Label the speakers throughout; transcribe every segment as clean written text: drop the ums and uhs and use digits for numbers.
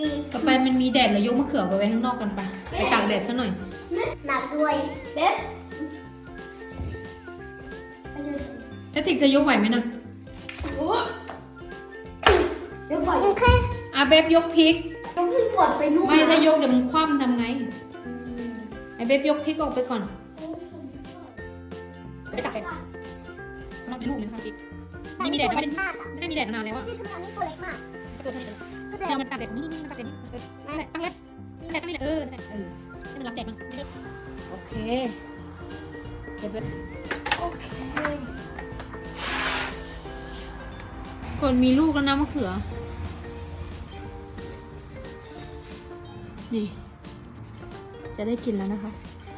Speaker 1: ต่อไปมันมีแดดเรายกมะเขือไปไว้ข้างนอกกันไปตากแดดซะหน่อย
Speaker 2: หนักด้วยเบ๊บ
Speaker 1: แล้วติ๊กจะยกไหวไหมนะ
Speaker 2: เดี๋ยวก่อนแค่
Speaker 1: เบบยกพริก
Speaker 2: ต้องรีบกดไปนู่น
Speaker 1: ไม่ถ้ายกเดี๋ยวมันคว่ำทำไงเบบยกพริกออกไปก่อนไปตากแดดข้างนอกเป็นลูกเลยนะคะติ๊กนี่มีแดดนะไม่ได้มีแดดนานแล้วอะ
Speaker 2: นี่คืออันนี้ตัวเล็กมาก
Speaker 1: ก็ตัวเท่านี้เลยเนี่ยมันตากแดดนี่มันตากแดดนี่ตั้งแล้วแดดตั้งนี่ให้มันรับแดดมั้งโอเคเดี๋ยว
Speaker 2: โอเค
Speaker 1: ก่อนมีลูกแล้วนะมะเขือนี่จะได้กินแล้วนะคะ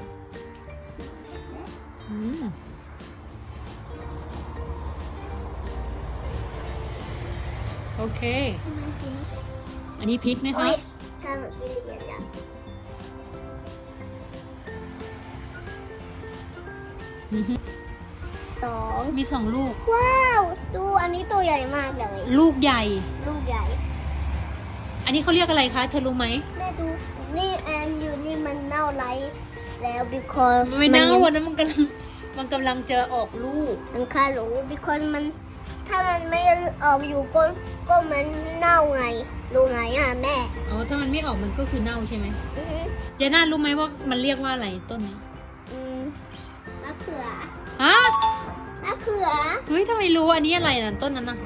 Speaker 1: โอเคอันนี้พริกนะคะ
Speaker 2: การกินอย่างสอง
Speaker 1: มี2 ลูก
Speaker 2: ว้าวดูอันนี้ตัวใหญ่มากเลย
Speaker 1: ลูกใหญ่
Speaker 2: ลูกใหญ่
Speaker 1: อันนี้เขาเรียกอะไรคะเธอรู้ไหม
Speaker 2: แม่ดูนี่แอนอยู่นี่มันเน่าไรแล้ว because
Speaker 1: ไม่เน่าวันนั้นมันกำลังจะออกลูก
Speaker 2: มันค่ารู้ because มันถ้ามันไม่ออกอยู่ก็มันเน่าไงรู้ไงอ่ะแม่
Speaker 1: อ๋อถ้ามันไม่ออกมันก็คือเน่าใช่ไหม
Speaker 2: อือฮึ
Speaker 1: เจน่ารู้ไหมว่ามันเรียกว่าอะไรต้นนี้
Speaker 2: มะเขือ
Speaker 1: ฮะ
Speaker 2: มะเขือ
Speaker 1: เฮ้ยทำไมรู้อันนี้อะไรน่ะต้นนั้นน่ะ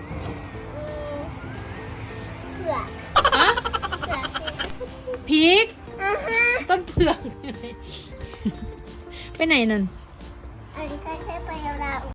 Speaker 2: เผือก
Speaker 1: ฮะ
Speaker 2: เผือก
Speaker 1: พริก
Speaker 2: อ่าฮะ
Speaker 1: ต้นเผือก ไปไหนนั่น
Speaker 2: อันนี้แค่ไปเรา